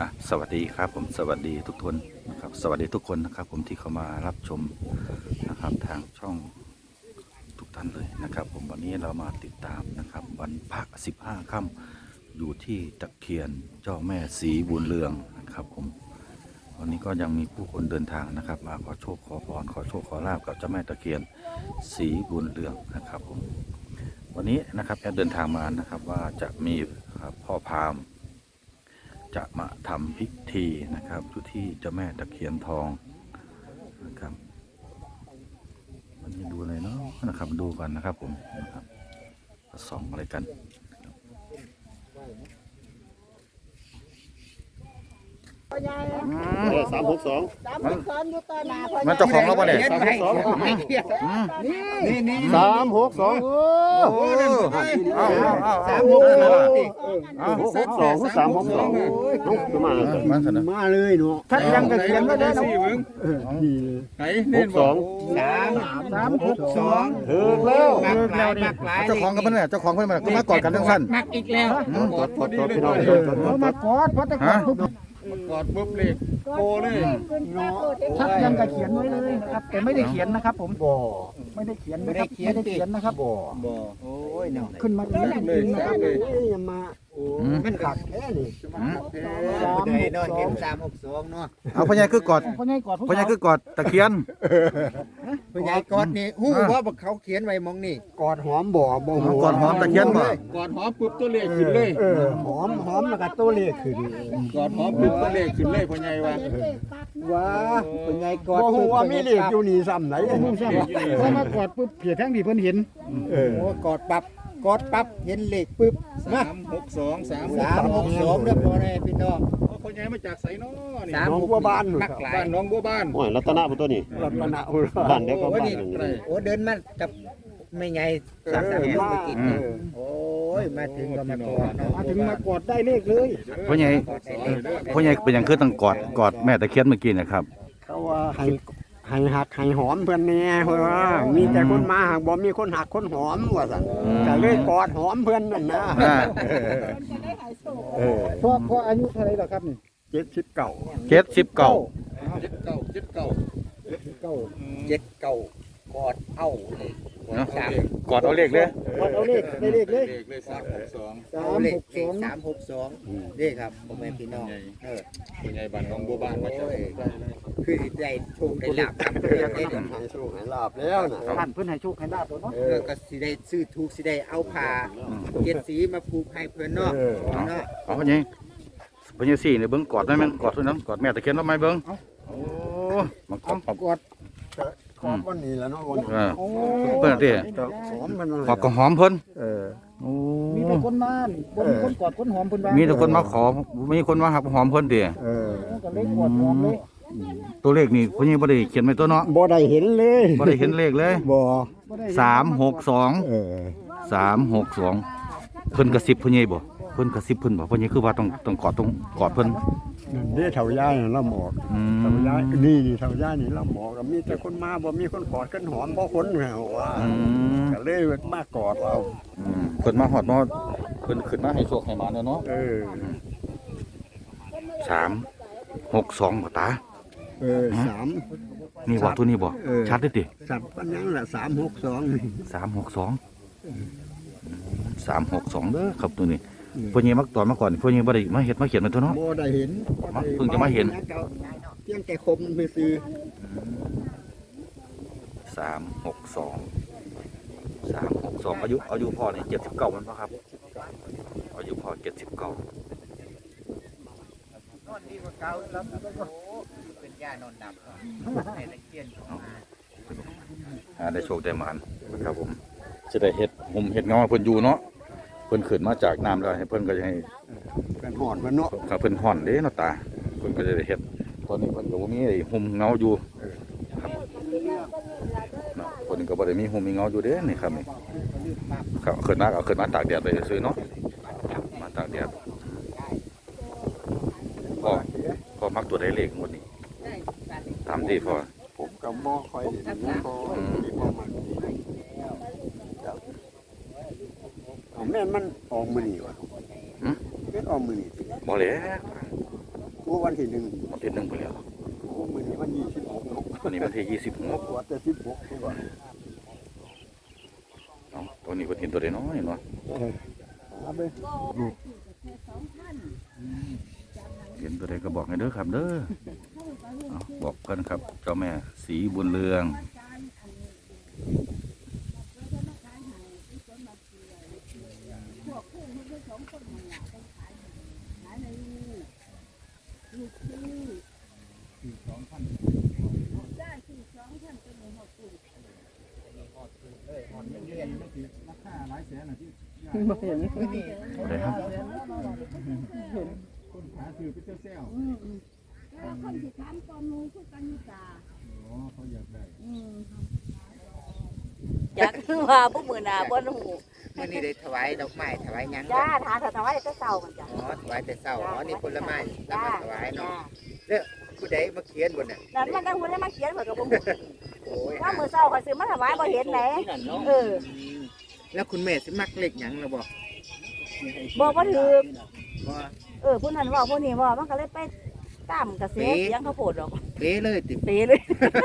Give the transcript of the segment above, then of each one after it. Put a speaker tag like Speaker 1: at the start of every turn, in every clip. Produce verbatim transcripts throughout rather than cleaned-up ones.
Speaker 1: อ่ะสวัสดีครับผมสวัสดีทุกคนนะครับสวัสดีทุกคนนะครับผมที่เข้ามารับชมนะครับทางช่องทุกท่านเลยนะครับผมวันนี้เรามาติดตามนะครับวันพระสิบห้าค่ำอยู่ที่ตะเคียนเจ้าแม่สีบุญเรืองนะครับผมวันนี้ก็ยังมีผู้คนเดินทางนะครับมาขอโชคขอพรขอโชคขอลาบกับเจ้าแม่ตะเคียนสีบุญเรืองนะครับผมวันนี้นะครับแอดเดินทางมานะครับว่าจะมีพ่อพราหมณ์จะมาทำพิธีนะครับอยู่ที่เจ้าแม่ตะเคียนทองนะครับวันนี้ดูอะไรเนาะนะครับดูกันนะครับผมนะครับส่องอะไรกัน
Speaker 2: สามหกสอง
Speaker 1: มันเจ้าของเราปะเนี่ย
Speaker 2: สามหกสอง
Speaker 3: นี่นี่
Speaker 2: สามหกสองโอ้
Speaker 1: โอ้เอาเอา
Speaker 3: สา
Speaker 1: เอา
Speaker 3: มหกสอง
Speaker 1: เอา
Speaker 2: หกหกสองสามหกสองน้องมา
Speaker 1: มันสนะ
Speaker 2: มาเลยเนาะท่านยังจะเขียนก็ได้นะไหนหกสอง
Speaker 3: สามสามหกสอง
Speaker 2: ถึงแล้ว
Speaker 3: มักหลายมักหลาย
Speaker 1: เจ้าของกันปะเนี่ยเจ้าของเพิ่นมาก็มากอดกันทั้งสั้น
Speaker 3: มักอีกแล้ว
Speaker 2: กดกดกดพี่น้อง
Speaker 4: มากอดเพราะแต่กอดปุ๊บ
Speaker 2: กดปุ๊บเลยโกเลย
Speaker 4: ชัดยังกับเขียนไว้เลยนะครับแต่ไม่ได้เขียนนะครับผม
Speaker 2: บ่
Speaker 4: ไม่ได้เขียนนะครับไม่ได้เขียนนะครับ
Speaker 2: บ่
Speaker 3: บ่โอ้ยเนาะ
Speaker 4: ขึ้นมาจริงๆนะครับ
Speaker 2: มา
Speaker 3: มันขัก
Speaker 2: แค่นี้
Speaker 3: สามหกสองสามหกสองเนาะ
Speaker 1: เอาพ่อใหญ่คือกอด
Speaker 4: พ่อใหญ่กอดผู้
Speaker 1: พ่อใหญ่
Speaker 4: สาว
Speaker 1: คือกอดตะเคียน
Speaker 3: ผู้ใหญ่กอดนี่ฮู้ว่าเขาเขียนไว้มองนี่
Speaker 2: กอดหอมบ่บ่
Speaker 1: กอดหอมตะเคียนบ่
Speaker 5: กอดหอมปุ๊บตัวเลขขึ้นเลย
Speaker 2: เออหอมหอมแล้วก็ตัวเลขขึ้น
Speaker 5: กอดหอมปุ๊บตัวเลขขึ้นเลยพ่อใหญ่ว่า
Speaker 2: ว้า
Speaker 3: ผู้ใหญ่กอด
Speaker 2: บ่ฮู้ว่ามีเลขอยู่นี่ซ้ำไหน
Speaker 4: ผู้สาวพอมากอดปุ๊บเพียทั้งที่เพิ่นเห็น
Speaker 2: เออ
Speaker 3: โอ้กอดปั๊บกอดปั๊บเห็นเลขปึ๊บมา
Speaker 5: สามหกสองสาม
Speaker 3: สามหกสองเด้อพ่อแม่พี่น้อง
Speaker 5: พ่อใหญ่มาจากไสน้อนี่
Speaker 3: สาม
Speaker 2: น้อง
Speaker 3: หก
Speaker 2: บัวบาน
Speaker 3: มักหลาย
Speaker 5: บ้านน้องบัวบ้าน
Speaker 6: โอ้ยรัตนะบ่ตัวนี้
Speaker 2: รัตนะ
Speaker 6: บ้านเดียวก็
Speaker 3: โอ้
Speaker 6: บ้าน
Speaker 3: นี่
Speaker 6: หนึ่ง
Speaker 3: โอ้เดินมากับไม่ไงสามสามเมื่อกี้นี่โอ้ยมาถึงก็มากอดเนาะ
Speaker 4: มาถึงมากอดได้เลขเลย
Speaker 1: พ่อใหญ่พ่อใหญ่เป็นอย่างคือต้องกอดกอดแม่ตะเคียนเมื่อกี้นะครับ
Speaker 2: เขาว่าให้ให้หักให้หอมเพิ่นแน่เพิ่นว่ามีแต่คนมาหักบ่มีคนหักคนหอมว่าซั่นก็เลยกอดหอมเพิ่นนั่นนะ
Speaker 1: อ่า
Speaker 2: เออ
Speaker 4: พ่อพ่ออายุเท่าไหร่แล้วครับนี่
Speaker 2: เจ็ดสิบเก้า
Speaker 1: เจ็ดสิบเก้า
Speaker 5: เจ็ดเก้าเจ็ดเก้า
Speaker 4: เก้า
Speaker 3: เจ็ดเก้ากอดเอ้าเลยกอดสาม
Speaker 1: กอดเอาเลขเลย
Speaker 4: กอดเอาเลขได้เลขเลย
Speaker 5: เลขเลยสามหกสอง
Speaker 4: สา
Speaker 3: เอา
Speaker 4: ม
Speaker 3: เล
Speaker 4: ห
Speaker 3: ข
Speaker 4: กสอง
Speaker 3: สามหกสองนี่ครับพ่อแม่พี่น้องเออ
Speaker 5: พ่อใหญ่บ้านน้องบัวบ้านมาจากไส
Speaker 3: คือได้โชคได้ลาบกันเพื่อได้เดือน
Speaker 2: ให้โชคให้ลาบแล้วน่ะ
Speaker 4: ท่านเพิ่นให้โชคให้ลาบตัวเนาะ
Speaker 3: เออก็สิได้ซื้อถูกสิได้เอาผ้าเจ็ดสีมาผูกให้เพื่อนเนาะเนาะ
Speaker 1: เอาพ่อใหญ่พ่อใหญ่สี่เนี่ยเบิ้งกอดได้ไหมกอดตัวนั้นกอดแม่ตะเคียนแล้วไหมเบิ้งโอ้มันกอด
Speaker 4: กอด
Speaker 2: ขอบวันนี้แล้วเนาะวัน
Speaker 1: เออ
Speaker 4: โอ้
Speaker 1: เพิ่นที่
Speaker 2: หอมมัน
Speaker 1: กอดก็หอมเพิ่น
Speaker 2: เออ
Speaker 1: โอ้
Speaker 4: มีแต่คนมาบ่มีคนกอดคนหอมเพิ่นว่า
Speaker 1: มีแต่คนมาขอมีคนมาหักหอมเพิ่นดิ
Speaker 2: เออ
Speaker 4: ก็เลยกอดหอมเลย
Speaker 1: ตัวเลขนี่พ่อใหญ่บ่ได้เขียนไว้ตัวเนาะ
Speaker 2: บ่ได้เห็นเลย
Speaker 1: บ่ได้เห็นเลขเลย
Speaker 2: บ่
Speaker 4: บ่ได้
Speaker 1: สามหกสอง
Speaker 2: เออ
Speaker 1: สามหกสองเพิ่นกระซิบพ่อใหญ่บ่เพิ่นกระซิบเพิ่นบ่พ่อใหญ่คือว่าต้องต้องกอดต้องกอดเพิ่น
Speaker 2: นั่นเด้เฒ่ายายน่ะละหมอก
Speaker 1: อื
Speaker 2: เฒ่าม ยายนี่นี่เฒ่ายายนี่ละหมอกก็มีแต่คนมาบ่มีคนกอดกันหอมบ่คนแหวว่า
Speaker 1: อืม
Speaker 2: ก็เลยมากอดเอา
Speaker 1: อืมเพิ่นมาฮอดมาเพิ่นขึ้นมาให้โชคให้หมาเนาะ
Speaker 2: เออ
Speaker 1: สามหกสองบ่ตา
Speaker 2: เออสาม
Speaker 1: นี่บ่ตัวนี้บ่
Speaker 2: เออ
Speaker 1: ชัดเด้อติ
Speaker 2: สับปันยังละสามหกสองนี่
Speaker 1: สามหกสองสามหกสองเด้อครับตัวนี้พ่อใหญ่มักตอนมาก่อนพ่อใหญ่บ่ได้มาเฮ็ดมาเขียนไว้ตัวเนาะ
Speaker 2: บ่ได้เห็น
Speaker 1: เพิ่งจะมาเห็น
Speaker 2: เพียงแต่คมไปซื้อ
Speaker 1: สามหกสองสามหกสองอายุอายุพ่อนี่เจ็ดสิบเก้ามันป่ะครับอายุพ่อเจ็ดสิบเก้าน
Speaker 3: อนดีกว่าเก่าแล้วโอ้เป็นย่านอนดับให้ตะเคียนเข้ามา
Speaker 1: อ่าได้โชคได้หมานครับผมจะได้เห็ดหุ่มเห็ดเงาให้เพิ่นอยู่เนาะเพิ่นขึ้นมาจากน้ำแล้วให้เพิ่นก็จะให้
Speaker 2: กันหอดมันเนาะ
Speaker 1: ครับเพิ่นห่อนเด้เนาะตาเพิ่นก็จะได้เห็ดตอนนี้เพิ่นก็บ่มีไอ้หุ่มเงาอยู่ครับเนาะเพิ่นก็บ่ได้มีหุ่มมีเงาอยู่เด้นี่ครับนี่ครับขึ้นมาเอาขึ้นมาตากแดดไปซื้อเนาะมาตากแดดพ่อพ่อมักตัวใดเลขหมดนี่ตามที่พ่อ
Speaker 2: ผมก็บ่ค่อยได้นะพอมีบ่มันผมแม่นมันออกมื้อนี้ว่ะแม่นออกมื้อนี้
Speaker 1: บ่แล้ว
Speaker 2: โอ้วันที่หนึ่ง
Speaker 1: วันที่หนึ่งไปแล้ว
Speaker 2: โอ้มื้อนี้วันยี่สิบหก
Speaker 1: วันนี้วันที่ยี่สิบหก
Speaker 2: ปวดแต่สิบหกตัว
Speaker 1: เนาะตัวนี้วันเห็นตัวใดน้อยเนาะ
Speaker 2: เออเอาไป
Speaker 1: เห็นตัวใดก็บอกให้เด้อครับเด้อเอาบอกกันครับเจ้าแม่สีบุญเรืองอะไรครับ
Speaker 6: แล้วคนที่ถามตอนนู้นคือกันนิกา
Speaker 7: อยากคือว่าพวกมือหนาบ่หู
Speaker 3: มื้อนี้ได้ถวายดอกไม้ถวายหยัง
Speaker 7: จ้าทานถวายแต่เช้ามันจ้ะ
Speaker 3: อ๋อถวายแต่เช้าอ๋อนี่ผลไม้นำ
Speaker 7: จ้า
Speaker 3: มาถวาย
Speaker 7: จ้า
Speaker 3: เนาะแล้วผู้ใดมาเขียนบนน่ะ
Speaker 7: นั่นมันตั้งหุ่นให้มาเขียนเพิ่นก็บ่ฮู้
Speaker 3: โอ้ย
Speaker 7: ว่ามื้อเช้าข่อยซื้อมาถวายบ่เห็นไหนเออ
Speaker 3: แล้วคุณแม่สิมักเล็กหยังล่ะบ่
Speaker 7: บอกบ่ถูก
Speaker 3: บ่
Speaker 7: เออผู้นั้นเว้าผู้นี้เว้ามันก็เลยไปตามกระแสเสียงเขาโพดดอก
Speaker 3: เป๊ะเลยติ
Speaker 7: เปเลย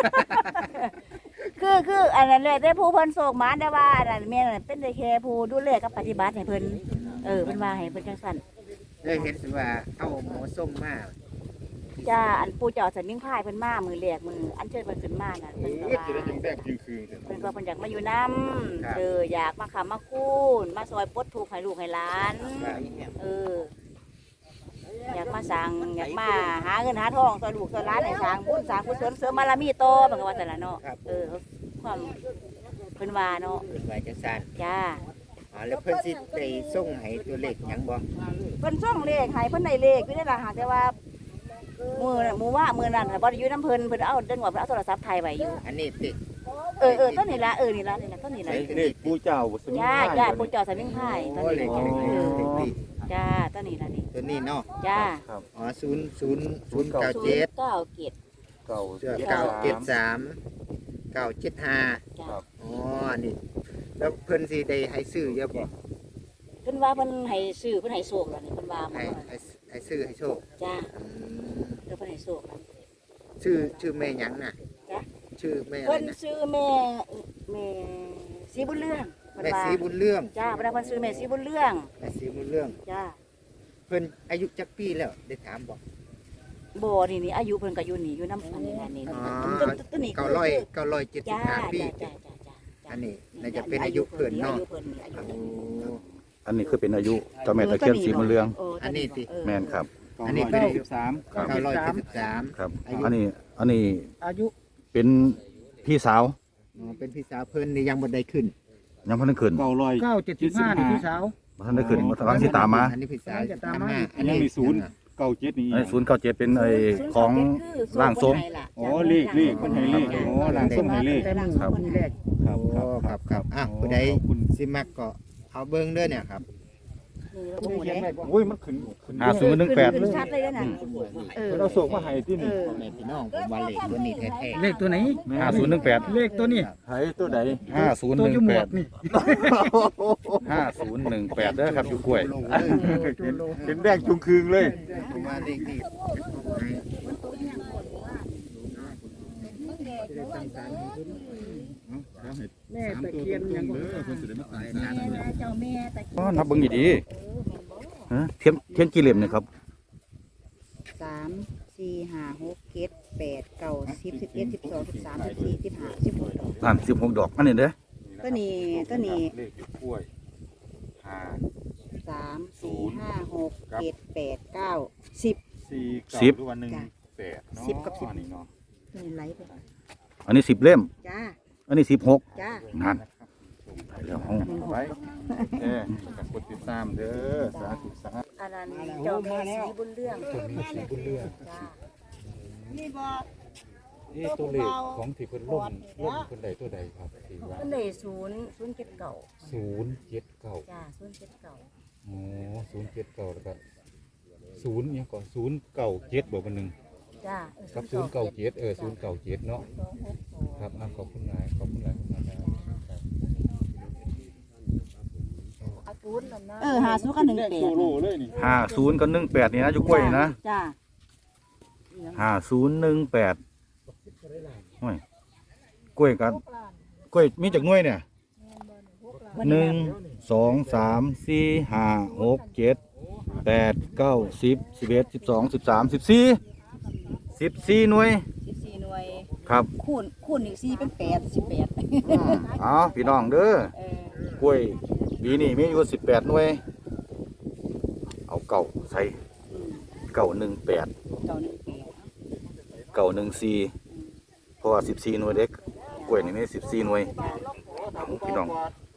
Speaker 7: คือคืออันนั้นแหละได้ผู้เพิ่นโศกหมาได้ว่าอันนั้นแม่นั่นเป็นได้แค่ผู้ดูแลกับปฏิบัติให้เพิ่นเออเพิ่นว่าให้เพิ่นจังซั่น
Speaker 3: เลยเห็นสิว่าเอาหมอส้มมา
Speaker 7: จ้าอันปู่เจ้าสันนิ่งพายเพิ่นมามือแรกมืออันเชิญเพิ่นขึ้นมาน่ะเพิ่นก็
Speaker 5: เอ้ย
Speaker 7: ว่า
Speaker 5: จะได้ยิงแดงยิงคืน
Speaker 7: เพิ่นก็เพิ่นอยากมาอยู่นํเอออยากมาค้ำมาคูนมาซอยปลดทุกข์ให้ลูกให้หลานเอออยากมาสร้างอยากมาหาเงินหาทองซอยลูกซอยหลานให้สร้างบุญสร้างกุศลเสริมบารมีโตเพิ่นก็ว่าซั่นล่ะเนาะเออความเพิ่นว่าเนาะ
Speaker 3: เพิ่นว่าจังซั่น
Speaker 7: จ้า
Speaker 3: อ๋อแล้วเพิ่นสิได้ส่งให้ตัวเลขหยังบ่
Speaker 7: เพิ่นส่งเลขให้เพิ่นได้เลขอยู่ในล่ะหากแต่ว่ามื้อนั้นมื้อว่ามื้อนั้นน่ะบ่ได้อยู่นํเพิ่นเพิ่นเอาเดินว่าเพิ่นเอาโทรศัพท์ถ่ายไว้อยู่
Speaker 3: อันนี้ติ
Speaker 7: เออเออต้นนี่ละเออนี่ละนี่ละต้นนี่ละ
Speaker 5: เลขผู้เจ้าสมิง
Speaker 7: จ้าจ้าปู่เจ้าสมิงไผ่ต้น
Speaker 3: โอ้
Speaker 7: นี่
Speaker 3: เล
Speaker 7: ละ
Speaker 3: ขเลขเลขเลข
Speaker 7: จ้าต้นนี่ละนี่
Speaker 3: ตัวนี้เนาะ
Speaker 7: จ้า
Speaker 3: อ๋อศูนย์ศูนย์ศูนย์เก้า
Speaker 7: ศู
Speaker 3: เจ็
Speaker 7: น
Speaker 3: ด
Speaker 7: ย์เก้าเจ็ด
Speaker 5: เก่า
Speaker 3: เก้าเจ็ดสามเก้าเจ็ดห้า
Speaker 7: จ้า
Speaker 3: อ๋อนี่แล้วเพิ่นสิได้ให้ซื้อเยอะบ่
Speaker 7: เพิ่นว่าเพิ่นให้ซื้อเพิ่นให้โชคแล้วนี่เพิ่นว่า
Speaker 3: ให้ให้ให้ซื้อให้โชค
Speaker 7: จ้า
Speaker 3: อืม
Speaker 7: เดี๋ยวเพิ่นให้โชคแล้ว
Speaker 3: ชื่อชื่อแม่หยังน่ะ
Speaker 7: จ้ะ
Speaker 3: ชื่อแม่อะไร
Speaker 7: เพิ่น
Speaker 3: นะ
Speaker 7: ซื้อแม่แม่สีบุญเรื่องเพิ่น
Speaker 3: แม่
Speaker 7: ว่า
Speaker 3: สีบุญเรื่อง
Speaker 7: จ้าเพิ่นว่าเพิ่นซื้อแม่สีบุญเรื่อง
Speaker 3: แม่สีบุญเรื่อง
Speaker 7: จ้า
Speaker 3: เพิ่นอายุจักปีแล้วได้ถามบ่
Speaker 7: บ่นี่นี่อายุเพิ่นก็อยู่นี่อยู่นำอันนี้นั่นนี่
Speaker 3: อ๋อ
Speaker 7: ต้นต้นนี่
Speaker 3: เก้าร้อยเก้าร้อยเจ็ดสิ
Speaker 7: จ้า
Speaker 3: บห้าปี
Speaker 7: จ้าจ้าจ้า
Speaker 3: อันนี้น่าจะเป็นอายุเพิ่นเนาะ
Speaker 7: อายุเพิ่นนี่อายุ
Speaker 3: โอ้
Speaker 7: เพิ่น
Speaker 1: อันนี้คือเป็นอายุเจ้าแม่ตะเคียนสีบุญเรือง
Speaker 3: อันนี้สิ
Speaker 7: เออ
Speaker 1: แม่นครับ
Speaker 3: อันนี้เป็น
Speaker 5: สิบสาม
Speaker 1: ครับ
Speaker 3: เก้าร้อยเจ็ดสิบสาม
Speaker 1: ครับ
Speaker 3: อายุ
Speaker 1: อันนี้อันนี้
Speaker 4: อายุ
Speaker 1: เป็นพี่สาว
Speaker 3: อ๋อเป็นพี่สาวเพิ่นนี่ยังบ่ได้ขึ้น
Speaker 1: ยังพันได้ขึ้น
Speaker 5: เก่าลอย
Speaker 4: เก้าเจ็ดสิบห้านี่พี่สาว
Speaker 1: บ่ทันได้ขึ้นบ่ทันสิตามมา
Speaker 3: อันนี้พี่สาว
Speaker 4: จะตามมา
Speaker 3: อัน
Speaker 5: ยัง
Speaker 3: นี้
Speaker 5: มีศูนย์เก่าเจ็ดนี่
Speaker 1: ไอ้ศูนย์เก้าเจ็ดเป็นไอ้ของร่างทรง
Speaker 5: โอ้เลขเลขคนให้เลขโอ้หลังส้มให้เลข
Speaker 4: แต่มัน
Speaker 1: ครับ
Speaker 4: มีแรก
Speaker 5: ครับ
Speaker 3: โอ้ครับครับอ่ะผู้ใดสิมักก็เอาเบิ่งเด้อเนี่ยครับ
Speaker 7: นี่เราบ่ฮู้เด้
Speaker 5: โอ้ยมันขึ้นขึ้น
Speaker 1: ห้าศูนย์หนึ่งแปด
Speaker 7: ขึ้นชัดเลยนะเออ
Speaker 5: เราส่งมาให้ที่
Speaker 7: เอ
Speaker 5: นี่
Speaker 7: อ
Speaker 3: พ่อแม่พี่น้องผมว่าเลขตัวนี้แท้
Speaker 4: เลขตัวไหน
Speaker 1: ห้าศูนย์หนึ่งแปด
Speaker 4: เลขตัวนี้
Speaker 5: ให้ตัวใด
Speaker 1: ห้าศูนย์
Speaker 4: ตั
Speaker 1: ห
Speaker 4: ว
Speaker 1: นึ่
Speaker 4: จุ่
Speaker 1: ง
Speaker 4: หม
Speaker 1: แป
Speaker 4: ว
Speaker 1: ด
Speaker 4: กนี่
Speaker 1: ห้าศูนย์หนึ่งแปดเด้อครับอยู่กล้วย
Speaker 3: ๆลงเลย
Speaker 5: เป็นเป็นแดงจุงคืงเลย
Speaker 3: ผมว่าเลขนี้เป็นของให้
Speaker 4: แม่ตะเคียนยังบ่
Speaker 7: เจ้าแม่ตะ
Speaker 1: อ๋อนับเบิ่งดีๆฮะเทียนเทียนกี่เหลี่ยมเนี่ยครับ
Speaker 7: สามสี่ห้าหกเจ็ดแปดเก้าสิบสิบเอ็ดสิบสองสิบสามสิบสี่สิบห้าสิบหกดอก
Speaker 1: นั่นสิบหกดอกอันนี้เด้อ
Speaker 7: ตัวนี้ตัวนี้
Speaker 5: เลขอยู่กล้วยห้า
Speaker 7: สามสี่ห้าหกเจ็ดแปดเก้าสิบ
Speaker 5: สี่เก้าหรือวันหนึ่งแปดเนาะ
Speaker 7: สิบกับสิบ
Speaker 5: นี่เนาะ
Speaker 7: ตัวนี้ไหลไป
Speaker 1: อันนี้สิบเล่ม
Speaker 7: จ้า
Speaker 1: อันนี้สิบหก
Speaker 7: จ้า
Speaker 1: นั่นเดี๋ยวเอา
Speaker 5: ไปเอ๊ะกับกดติดตามเด้อสาธุสาธุ
Speaker 7: อันนั้นเจ้าแม่สีบุญเรื่อง
Speaker 5: ตัวนี้สีบุญเรือง
Speaker 7: จ้า
Speaker 5: นี่ตัวเลขของที่เพิ่นล่มล่มเพิ่นใดตัวใดครับที่ว่า
Speaker 7: เพิ่นได้ศูนย์ศูนย์เจ็ดเก้า
Speaker 5: ศูนย์เจ็ดเก้า
Speaker 7: จ้าศูนย์เจ็ดเก้า
Speaker 5: อ๋อศูนย์เจ็ดเก้าแล้วก็ศูนย์เนี่ยก่อนศูนย์เก้าเจ็ดบอกกันหนึ่ง
Speaker 7: จ้า
Speaker 5: กับศูนย์เก้าเจ็ดเออศูนย์เก้าเจ็ดเนาะ
Speaker 7: สองหกสอง
Speaker 5: ครับอ่ะขอบคุณหลายขอบคุณหลายขอบคุณหลายครับ
Speaker 7: เออหาศูนย์กับหนึ่งแปด
Speaker 5: โซโล่เลยนี่
Speaker 1: ห้าศูนย์กับหนึ่งแปดนี่นะอยู่กล้วยนี่นะ
Speaker 7: จ้า
Speaker 1: ห้าศูนย์หนึ่งแปดโอ้ยกล้วยกันกล้วยมีจากหน่วยเนี่ยหนึ่งสองสามสี่ห้าหกเจ็ดแปดเก้าสิบสิบเอ็ดสิบสองสิบสามสิบสี่สิบสี่หน่วย
Speaker 7: สิบสี่หน่วย
Speaker 1: ครับ
Speaker 7: คูณคูณอีกสี่เป็นแปดสิบแปด
Speaker 1: อ๋อพี่น้องเด้อ
Speaker 7: เออก
Speaker 1: ล้วยปีนี้มีอยู่สิบแปดหน่วย เอาเก่าใส่เก่าหนึ่งแปด
Speaker 7: เก้าหนึ่งแปด
Speaker 1: เก่าหนึ่งสี่เพราะว่าสิบสี่หน่วยเด็กกล้วยนี่มีสิบสี่หน่วยเอาพี่น้อง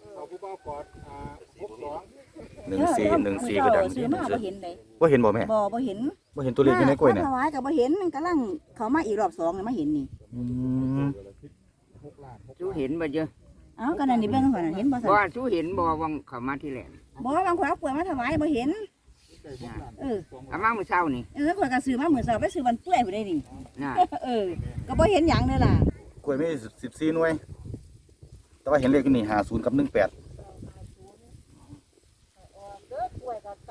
Speaker 1: หนึ่งสี่หนึ่งสี่ก็ดัง
Speaker 7: ซื้อมาบ่เห็นเลย
Speaker 1: ว่าเห็นบ่แม่
Speaker 7: บ่บ่เห็น
Speaker 1: ว่าเห็นตัวเลขอยู่ในกล้วยเนี่ย
Speaker 7: มาถวายก็บ่เห็นมันกำลังเขามาอีกรอบสองนี่มาเห็นนี่
Speaker 1: อืม
Speaker 3: ชูเห็นบ่เยอะ
Speaker 7: เอ้าก็นั่นนี่เบิ่งก่อนน่ะเห็นบ่ซั่น
Speaker 3: ว่าชูเห็นบ่วังเขามาที่แหลม
Speaker 7: บ่บางคนเอากล้วยมาถวายบ่เห็นเออ
Speaker 3: เอามาเมื่อเช้านี่
Speaker 7: เออข่อยก็ซื้อมามื้อเช้าไปซื้อวันเปื่อยพุ่นได้นี่
Speaker 3: น่ะ
Speaker 7: เออก็บ่เห็นหยังเด้อล่ะ
Speaker 1: กล้วยมีสิบสี่หน่วย แต่ว่าเห็นเลขอยู่นี่ห้าศูนย์กับหนึ่งแปด